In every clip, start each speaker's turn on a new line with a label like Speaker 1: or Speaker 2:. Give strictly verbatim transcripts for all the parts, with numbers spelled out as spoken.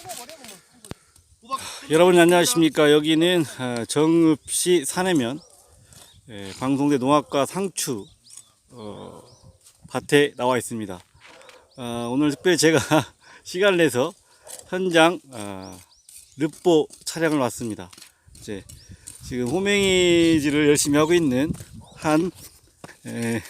Speaker 1: 여러분 안녕하십니까. 여기는 정읍시 산해면 방송대 농학과 상추 어, 밭에 나와 있습니다. 어, 오늘 특별히 제가 시간을 내서 현장 어, 르뽀 촬영을 왔습니다. 이제 지금 호맹이질을 열심히 하고 있는 한 에,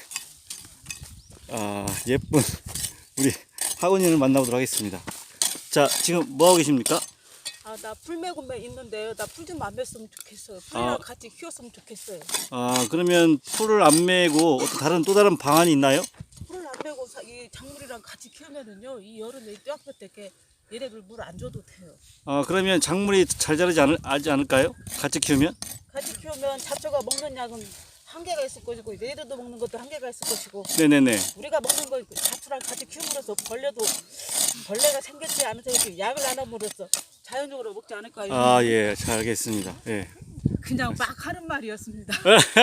Speaker 1: 아, 예쁜 우리 하은이를 만나보도록 하겠습니다. 자, 지금 뭐 하고 계십니까?
Speaker 2: 아, 나 풀매고매 있는데요. 나 풀 좀 안 맸으면 좋겠어요. 풀이랑
Speaker 1: 아.
Speaker 2: 같이 키웠으면 좋겠어요.
Speaker 1: 아, 그러면 풀을 안 메고 어떤 다른 또 다른 방안이 있나요?
Speaker 2: 풀을 안 매고 사, 이 작물이랑 같이 키우면은요, 이 여름에 뼈아플 때게 얘네들 물 안 줘도 돼요.
Speaker 1: 아, 그러면 작물이 잘 자라지 않을, 하지 않을까요? 같이 키우면?
Speaker 2: 같이 키우면 잡초가 먹는 약은 한계가 있을 것이고 얘네들도 먹는 것도 한계가 있을 것이고
Speaker 1: 네네네.
Speaker 2: 우리가 먹는 거 잡초랑 같이 키움으로써 벌레도 벌레가 생겼지 않아서 이렇게 약을 안 함으로써 자연적으로 먹지 않을까요?
Speaker 1: 아, 예, 잘 알겠습니다. 예.
Speaker 2: 그냥 막 하는 말이었습니다.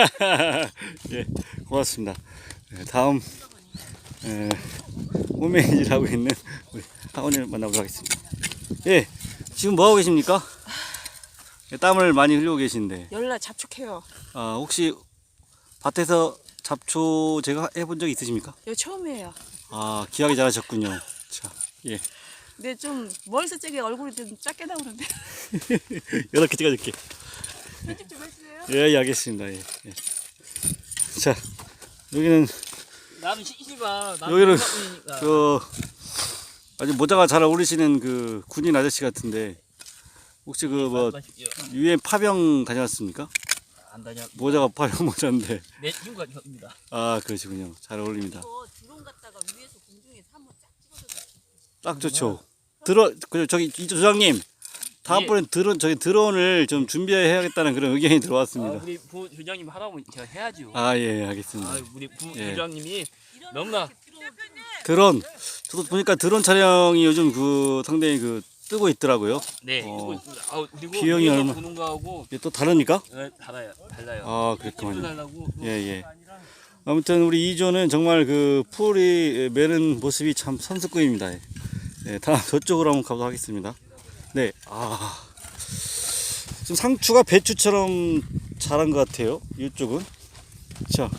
Speaker 1: 예, 고맙습니다. 예, 다음, 예, 호메이질 하고 있는 우리 하원이를 만나보도록 하겠습니다. 예, 지금 뭐 하고 계십니까? 예, 땀을 많이 흘리고 계신데,
Speaker 2: 열나 잡초해요.
Speaker 1: 아, 혹시 밭에서 잡초 제가 해본 적 있으십니까?
Speaker 2: 이거 처음이에요.
Speaker 1: 아, 귀하게 잘하셨군요. 자, 예.
Speaker 2: 근데 좀 멀리서 찍게 얼굴이 좀 작게 나오는데.
Speaker 1: 여덟 개 찍어줄게.
Speaker 2: 편집 좀 해주세요.
Speaker 1: 예, 예, 알겠습니다. 예, 예. 자, 여기는,
Speaker 3: 나는 시시바
Speaker 1: 여기는, 그, 아주 모자가 잘 어울리시는 그 군인 아저씨 같은데, 혹시 그 뭐, 유엔 파병 다녀왔습니까?
Speaker 3: 안 다녀.
Speaker 1: 모자가 파병 모자인데.
Speaker 3: 내 친구가 입니다.
Speaker 1: 아, 그러시군요. 잘 어울립니다.
Speaker 2: 이거 드론 갖다가 위에서 공중에 삼호 쫙 찍어서.
Speaker 1: 딱 좋죠. 드론, 그, 저기, 이 조장님. 다음번엔 드론, 저기 드론을 좀 준비해야겠다는 그런 의견이
Speaker 3: 아,
Speaker 1: 들어왔습니다.
Speaker 3: 우리 부 조장님 하라고 제가 해야죠.
Speaker 1: 아, 예, 알겠습니다.
Speaker 3: 아, 우리 부
Speaker 1: 예.
Speaker 3: 조장님이 너무나
Speaker 1: 드론, 저도 보니까 드론 촬영이 요즘 그 상당히 그 뜨고 있더라고요.
Speaker 3: 네.
Speaker 1: 어.
Speaker 3: 그리고, 아, 그리고
Speaker 1: 비용이
Speaker 3: 위에서
Speaker 1: 얼마-
Speaker 3: 보는 거하고
Speaker 1: 이게 또 다릅니까?
Speaker 3: 네, 달라요. 달라요.
Speaker 1: 아,
Speaker 3: 힘도
Speaker 1: 그랬구만요.
Speaker 3: 달라고.
Speaker 1: 예, 예. 아무튼 우리 이조는 정말 그 풀이 매는 모습이 참 선수급입니다. 예, 다음 저쪽으로 한번 가보도록 하겠습니다. 네, 아. 지금 상추가 배추처럼 자란 것 같아요. 이쪽은. 자.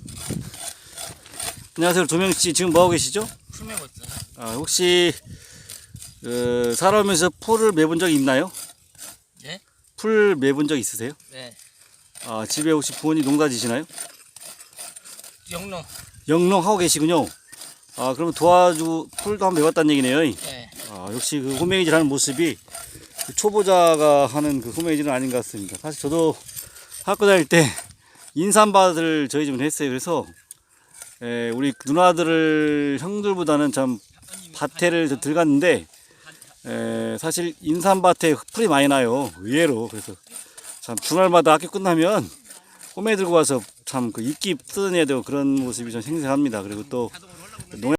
Speaker 1: 안녕하세요. 조명씨. 지금 뭐 하고 계시죠?
Speaker 3: 풀 메고 있어.
Speaker 1: 아, 혹시, 어, 살아오면서 풀을 매본 적 있나요?
Speaker 3: 예?
Speaker 1: 풀 매본 적 있으세요?
Speaker 3: 네.
Speaker 1: 아, 집에 혹시 부모님 농사 지시나요?
Speaker 3: 영농.
Speaker 1: 영농 하고 계시군요. 아, 그러면 도와주, 풀도 한번 매봤다는 얘기네요.
Speaker 3: 네.
Speaker 1: 아, 역시 그 호메이질 하는 모습이 그 초보자가 하는 그 호메이질은 아닌 것 같습니다. 사실 저도 학교 다닐 때 인삼밭을 저희 집은 했어요. 그래서 에, 우리 누나들을 형들보다는 참 밭에를 좀 들갔는데 에, 사실 인삼밭에 풀이 많이 나요. 의외로. 그래서 참 주말마다 학교 끝나면 호메 들고 와서 참 그 이끼 뜯어내야 되고 그런 모습이 좀 생생합니다. 그리고 또 농약